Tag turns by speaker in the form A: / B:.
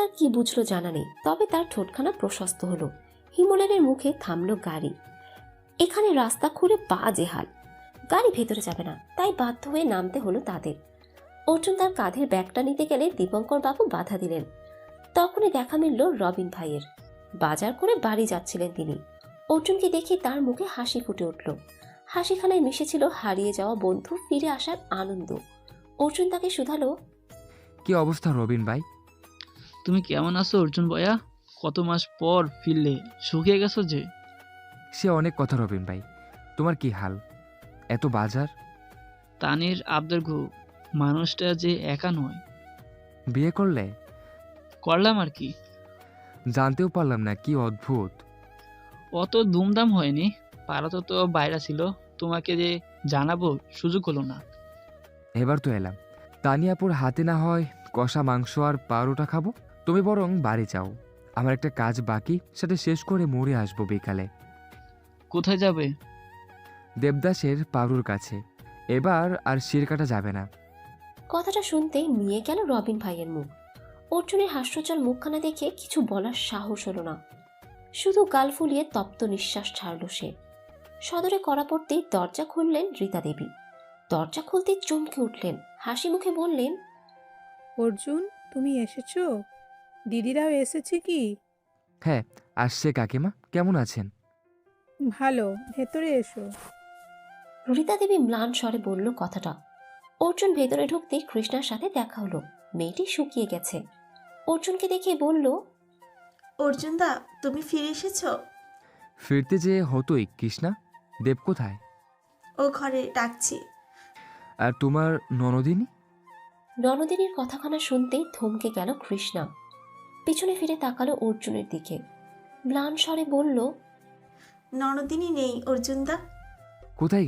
A: তার কি বুঝলো জানা নেই, তবে তার ঠোঁটখানা প্রশস্ত হলো। হিমলেনের মুখে থামলো গাড়ি। এখানে রাস্তা খুঁড়ে বাজে হাল, গাড়ি ভেতরে যাবে না, তাই বাধ্য হয়ে নামতে হলো তাদের। অর্জুন তার কাঁধের ব্যাগটা নিতে গেলে দীপঙ্কর বাবু বাধা দিলেন। তখনই দেখা মিলল রবিন ভাইয়ের। বাজার করে বাড়ি যাচ্ছিলেন তিনি। অর্জুনকে দেখে তার মুখে হাসি ফুটে উঠল। হাসিখানায় মিশেছিল হারিয়ে যাওয়া বন্ধু ফিরে আসার আনন্দ। অর্জুন তাকে শুধালো,
B: কি অবস্থা রবিন ভাই?
C: তুমি কেমন আছো অর্জুন ভাইয়া? কত মাস পর ফিরলে, শুকিয়ে গেছো যে।
B: সে অনেক কথা রবিন ভাই, তোমার কি হাল? এত বাজার?
C: তানির আবদার গো, মানুষটা যে একা নয়।
B: বিয়ে করলে?
C: করলাম আর কি।
B: জানতেও পারলাম না, কি অদ্ভুত।
C: অত দুমদাম হয়নি, পাড়াতে তো বাইরে ছিল, তোমাকে যে জানাবো সুযোগ হলো না।
B: এবার তো এলাম। তানিয়াপুর হাতে না হয় কষা মাংস আর পাউরোটা খাবো। তুমি বরং বাড়ি যাও, আমার একটা কাজ বাকি, সেটা শেষ করে মরে আসবো বিকালে।
C: কোথায় যাবে?
B: দেবদাসের পাউরুর কাছে। এবার আর শির কাটা যাবে না।
A: কথাটা শুনতেই নিয়ে গেল রবিন ভাইয়ের মুখ। অর্জুনের হাস্যজ্জ্বল মুখখানা দেখে কিছু বলার সাহস হলো না, শুধু গাল ফুলিয়ে তপ্ত নিঃশ্বাস ছাড়ল সে। সদরে কড়া পড়তেই দরজা খুললেন রীতা দেবী। দরজা খুলতেই চমকে উঠলেন, হাসি মুখে বললেন,
D: অর্জুন, তুমি এসেছো? দিদিরাও এসেছে কি?
B: হ্যাঁ, আসছে। কাকিমা কেমন আছেন?
D: ভালো, ভেতরে এসো।
A: রীতা দেবী ম্লান স্বরে বলল কথাটা। অর্জুন ভেতরে ঢুকতেই কৃষ্ণার সাথে দেখা হলো। মেয়েটি শুকিয়ে গেছে। অর্জুনকে দেখে বলল,
E: অর্জুন দা, তুমি ফিরে এসেছো?
B: ফিরতে যে হতোই। কৃষ্ণা, দেব কোথায়?
E: ও ঘরে, ডাকছি।
B: আর তোমার ননদিনী?
A: ননদিনীর কথাখানা শুনতেই থমকে গেল কৃষ্ণা। পিছনে ফিরে তাকালো অর্জুনের দিকে, ম্লান স্বরে বলল,
E: ননদিনী নেই অর্জুন দা।
B: কোথায়